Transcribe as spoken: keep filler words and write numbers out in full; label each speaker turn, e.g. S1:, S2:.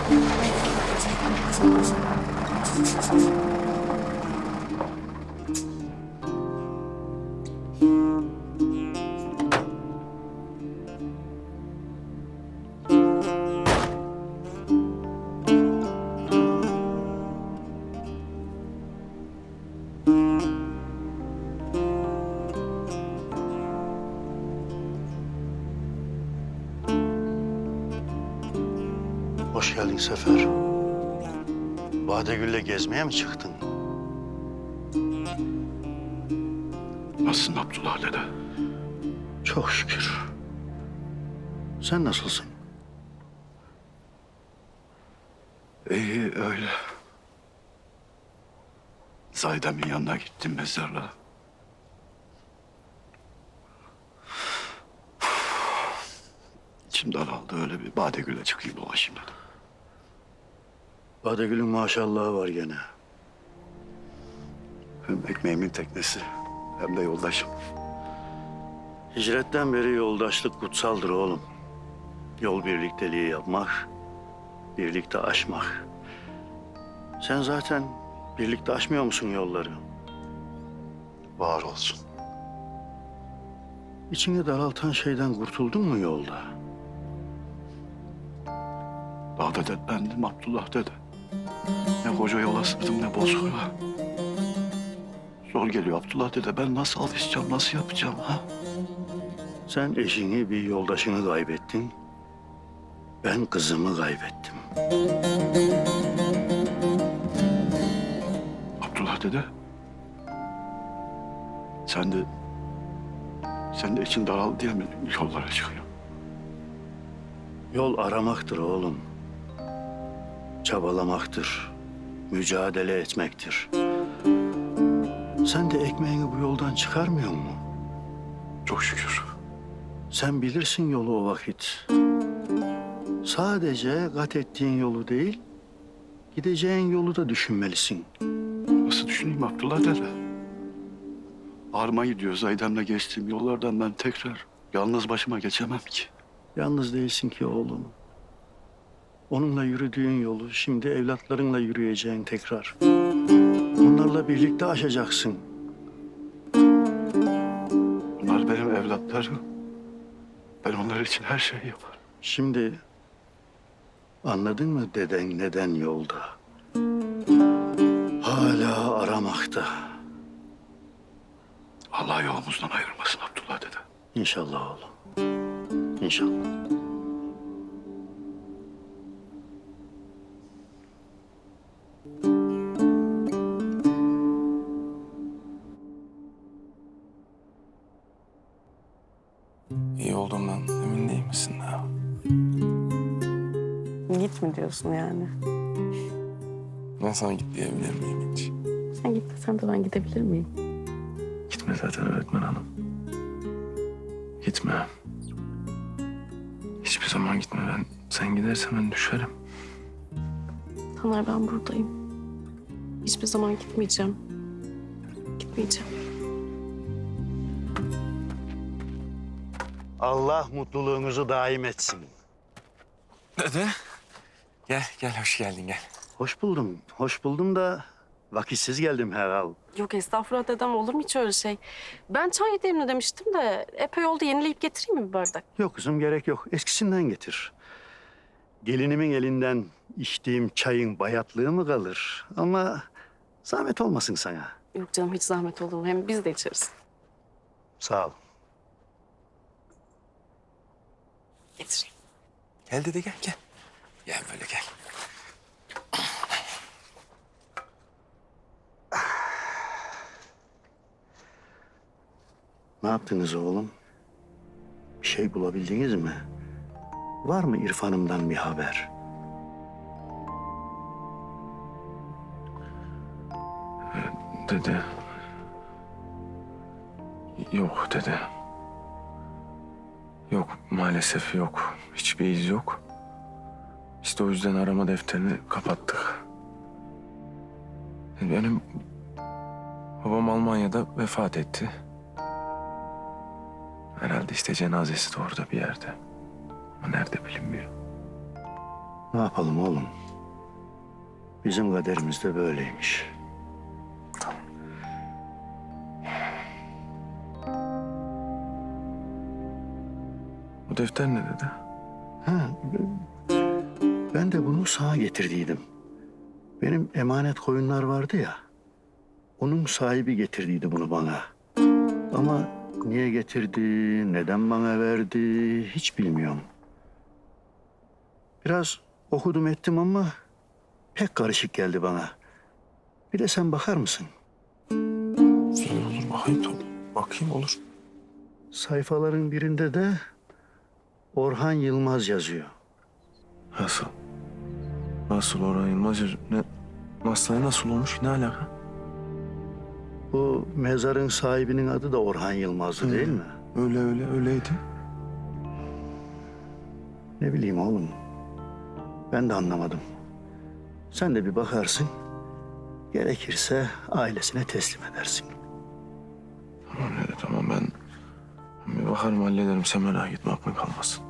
S1: Hoş geldin Sefer. Badegül'le gezmeye mi çıktın?
S2: Nasılsın Abdullah dede?
S1: Çok şükür. Sen nasılsın?
S2: İyi öyle. Zahide'min yanına gittim mezarlığa. İçim daraldı, öyle bir Badegül'e çıkayım dolaşayım dedim.
S1: Badegül'ün maşallahı var gene.
S2: Hem ekmeğimin teknesi hem de yoldaşım.
S1: Hicretten beri yoldaşlık kutsaldır oğlum. Yol birlikteliği yapmak, birlikte aşmak. Sen zaten birlikte aşmıyor musun yolları?
S2: Var olsun.
S1: İçini daraltan şeyden kurtuldun mu yolda?
S2: Dağda dertlendim Abdullah dede. Ne koca yola sırtım ne bozkura. Zor geliyor Abdullah dede. Ben nasıl alışacağım, nasıl yapacağım ha?
S1: Sen eşini, bir yoldaşını kaybettin. Ben kızımı kaybettim.
S2: Abdullah dede. Sen de... Sen de için daraldı diye mi yollara çıkıyorsun?
S1: Yol aramaktır oğlum. Çabalamaktır. Mücadele etmektir. Sen de ekmeğini bu yoldan çıkarmıyor mu?
S2: Çok şükür.
S1: Sen bilirsin yolu o vakit. Sadece kat ettiğin yolu değil, gideceğin yolu da düşünmelisin.
S2: Nasıl düşüneyim Abdullah dede? Ağrıma gidiyor Zaydem'le geçtiğim yollardan ben tekrar yalnız başıma geçemem ki.
S1: Yalnız değilsin ki oğlum. Onunla yürüdüğün yolu şimdi evlatlarınla yürüyeceğin tekrar. Onlarla birlikte aşacaksın.
S2: Bunlar benim evlatlarım. Ben onlar için her şeyi yaparım.
S1: Şimdi anladın mı deden neden yolda? Hala aramakta.
S2: Allah yolumuzdan ayırmasın Abdullah dede.
S1: İnşallah oğlum. İnşallah.
S3: İyi olduğumdan emin değil misin daha?
S4: Git mi diyorsun yani?
S3: Ben sana git diyebilir miyim hiç?
S4: Sen git desen de ben gidebilir miyim?
S3: Gitme zaten öğretmen hanım. Gitme. Hiçbir zaman gitme. Ben sen gidersen ben düşerim.
S4: Taner ben buradayım. Hiçbir zaman gitmeyeceğim. Gitmeyeceğim.
S1: Allah mutluluğunuzu daim etsin.
S3: Dede. Gel, gel. Hoş geldin, gel.
S1: Hoş buldum. Hoş buldum da vakitsiz geldim herhal.
S4: Yok estağfurullah dedem, olur mu hiç öyle şey? Ben çay demle demiştim de epey oldu, yenileyip getireyim mi bir bardak?
S1: Yok kızım, gerek yok. Eskisinden getir. Gelinimin elinden içtiğim çayın bayatlığı mı kalır? Ama zahmet olmasın sana.
S4: Yok canım, hiç zahmet olur mu? Hem biz de içeriz.
S1: Sağ ol.
S4: Getireyim.
S3: Gel dede, gel, gel. Gel böyle gel.
S1: Ne yaptınız oğlum? Bir şey bulabildiniz mi? Var mı İrfan'ımdan bir haber?
S3: Dede. Yok dede. Yok, maalesef yok. Hiçbir iz yok. İşte o yüzden arama defterini kapattık. Benim babam Almanya'da vefat etti. Herhalde işte cenazesi de orada bir yerde. Ama nerede bilinmiyor.
S1: Ne yapalım oğlum? Bizim kaderimiz de böyleymiş.
S3: Bu defter ne dedi?
S1: Ha, ben de bunu sağa getirdiydim. Benim emanet koyunlar vardı ya. Onun sahibi getirdiydi bunu bana. Ama niye getirdi, neden bana verdi hiç bilmiyorum. Biraz okudum ettim ama pek karışık geldi bana. Bir de sen bakar mısın?
S3: Güzel olur, bakayım tabii. Bakayım olur.
S1: Sayfaların birinde de Orhan Yılmaz yazıyor.
S3: Nasıl? Nasıl Orhan Yılmaz? Ne, masaya nasıl olmuş? Ne alaka?
S1: Bu mezarın sahibinin adı da Orhan Yılmaz'dı değil mi?
S3: Öyle öyle öyleydi.
S1: Ne bileyim oğlum. Ben de anlamadım. Sen de bir bakarsın. Gerekirse ailesine teslim edersin.
S3: Tamam dede tamam ben, ben bir bakarım hallederim. Sen merak etme aklın kalmasın.